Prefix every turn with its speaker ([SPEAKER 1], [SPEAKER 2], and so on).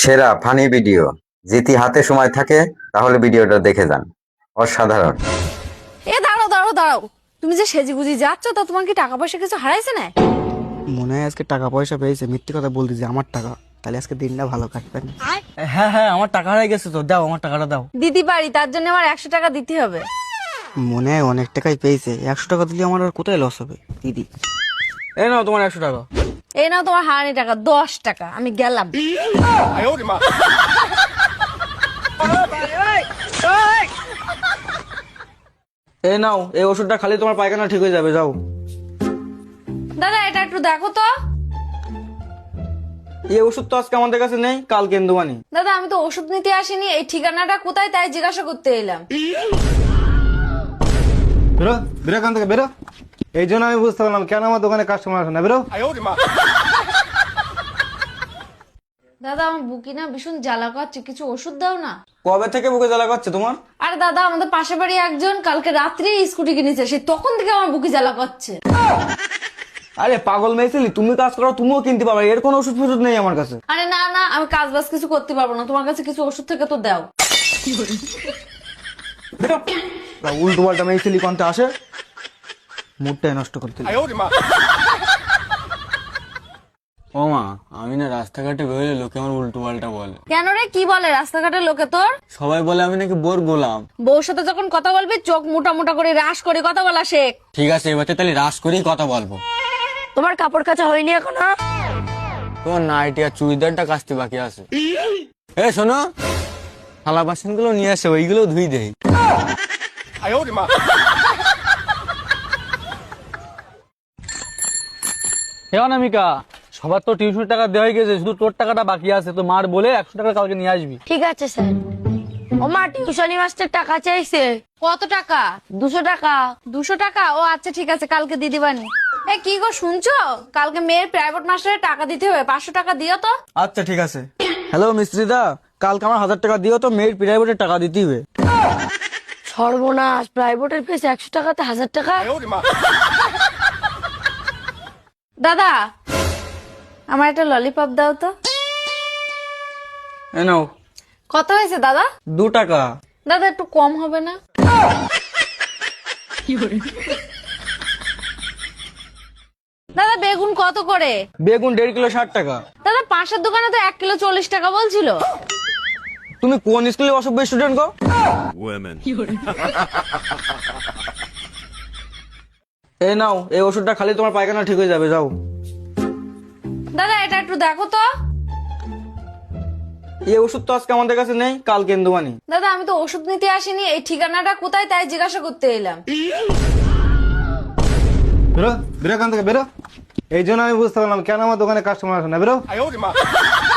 [SPEAKER 1] সেরা funny video যদি হাতে সময় থাকে তাহলে ভিডিওটা দেখে যান। অসাধারণ।
[SPEAKER 2] এ দাঁড়াও দাঁড়াও দাঁড়াও, তুমি যে সেজেগুজি যাচ্ছ তা তোমার কি টাকা পয়সা কিছু হারাইছে না?
[SPEAKER 3] মনে হয় আজকে টাকা পয়সা পেয়েছে, মিথ্যে কথা বলতে যে আমার টাকা, তাহলে আজকে দিনটা ভালো কাটবে না।
[SPEAKER 4] হ্যাঁ হ্যাঁ, আমার টাকা হারিয়ে গেছে, তো দাও আমার টাকাটা দাও।
[SPEAKER 2] দিতে পারি, তার জন্য আমার 100 টাকা দিতে হবে।
[SPEAKER 3] মনে হয় অনেক টাকাই পেয়েছে, 100 টাকা দিলে আমার আর কোথায় লস হবে দিদি।
[SPEAKER 4] এই নাও তোমার 100 টাকা।
[SPEAKER 2] এই নাও তোমার হারানি টাকা 10 টাকা, আমি গেলাম।
[SPEAKER 4] এই নাও, এই ওষুধটা খালি তোমার পায়খানা ঠিক হয়ে যাবে, যাও।
[SPEAKER 2] দাদা এটা একটু দেখো তো।
[SPEAKER 4] এই ওষুধ তো আজকে আমাদের কাছে নেই, কাল কেন্দ্র আনি।
[SPEAKER 2] দাদা আমি তো ওষুধ নিতে আসিনি, এই ঠিকানাটা কোথায় তাই জিজ্ঞাসা করতে এলাম।
[SPEAKER 5] বেরো বেরো এখান থেকে বেরো। এই জন্য আমি বুঝতে পারলাম কেন আমার দোকানে কাস্টমার আসে না। বেরো।
[SPEAKER 2] দাদা আমার বুকি না ভীষণ জ্বালা করছে, কিছু ওষুধ দাও না।
[SPEAKER 4] কবে থেকে বুকে জ্বালা করছে তোমার?
[SPEAKER 2] আরে দাদা আমাদের পাশে বাড়ি একজন কালকে রাত্রে স্কুটি কিনেছে, সে তখন থেকে আমার বুকি জ্বালা করছে।
[SPEAKER 4] আরে পাগল মেয়েছিলি, তুমি কাজ করো, তুমিও কিনতে পারবে, এর কোনো ওষুধ ফষুধ নেই আমার কাছে।
[SPEAKER 2] আরে না না, আমি কাজ বাজ কিছু করতে পারবো না, তোমার কাছে কিছু ওষুধ থেকে তো দাও।
[SPEAKER 4] উল্টো পাল্টা মেয়েছিলি কোনটা আসে, মুডটাই নষ্ট করতে। ও মা, আমি না রাস্তাঘাটে বেরোলে লোকে আমার উল্টো পাল্টা বলে।
[SPEAKER 2] কেন রে, কি বলে রাস্তাঘাটের লোকে তোর?
[SPEAKER 4] সবাই বলে আমি নাকি বোর গোলাম।
[SPEAKER 2] বউর সাথে যখন কথা বলবি চোখ মোটা মোটা করে রাস করে কথা বলা শেখ।
[SPEAKER 4] ঠিক আছে, এবার তাহলে রাস করেই কথা বলবো।
[SPEAKER 2] তোমার কাপড় কাচা হয়নি এখনো?
[SPEAKER 4] তোমার নাইটি আর চুড়িদারটা কাচতে বাকি আছে। এ শোনো, থালা বাসন গুলো নিয়ে আসে, ওইগুলো ধুই দেই। হে অনামিকা, সবার তো টিউশন টাকা দেওয়া হয়ে গেছে, শুধু তোর টাকাটা বাকি আছে, তো মার বলে 100 টাকা কালকে নিয়ে আসবি।
[SPEAKER 6] ঠিক আছে স্যার। ও মা, টিউশনি মাস্টার টাকা চাইছে।
[SPEAKER 2] কত টাকা?
[SPEAKER 6] 200 টাকা।
[SPEAKER 2] 200 টাকা? ও আচ্ছা ঠিক আছে, কালকে দিয়ে দিবানি। এ কি গো শুনছো, কালকে মেয়ের প্রাইভেট মাস্টারের টাকা দিতে হবে, 500 টাকা দিও তো।
[SPEAKER 4] আচ্ছা ঠিক আছে। হ্যালো মিস্ত্রিদা, কালকে আমার 1000 টাকা দিও তো, মেয়ের প্রাইভেটের টাকা দিতে হবে।
[SPEAKER 6] সর্বনাশ, প্রাইভেটের ফিস 100 টাকাতে 1000 টাকা।
[SPEAKER 2] দাদা আমার একটা ললিপপ দাও তো।
[SPEAKER 4] এ নাও।
[SPEAKER 2] কত হয়েছে দাদা?
[SPEAKER 4] 2 টাকা।
[SPEAKER 2] দাদা একটু কম হবে না? দাদা বেগুন কত করে?
[SPEAKER 4] বেগুন 1.5 কিলো 60 টাকা।
[SPEAKER 2] দাদা পাশের দোকানে তো 1 কিলো 40 টাকা বলছিল।
[SPEAKER 4] তুমি কোন স্কুলে অসভ্য স্টুডেন্ট গো? এই নাও, এই ওষুধটা খালি তোমার পায়খানা ঠিক হয়ে যাবে, যাও।
[SPEAKER 2] দাদা এটা একটু দেখো তো।
[SPEAKER 4] এই ওষুধ তো আজকে আমাদের কাছে নেই, কাল কেন্দ্র আনি।
[SPEAKER 2] দাদা আমি তো ওষুধ নিতে আসিনি, এই ঠিকানাটা কোথায় তাই জিজ্ঞাসা করতে এলাম।
[SPEAKER 5] বেরো বেরো এখান থেকে বেরো। এই জন্য আমি বুঝতে পারলাম কেন আমার দোকানে কাস্টমার আসে না। বেরো।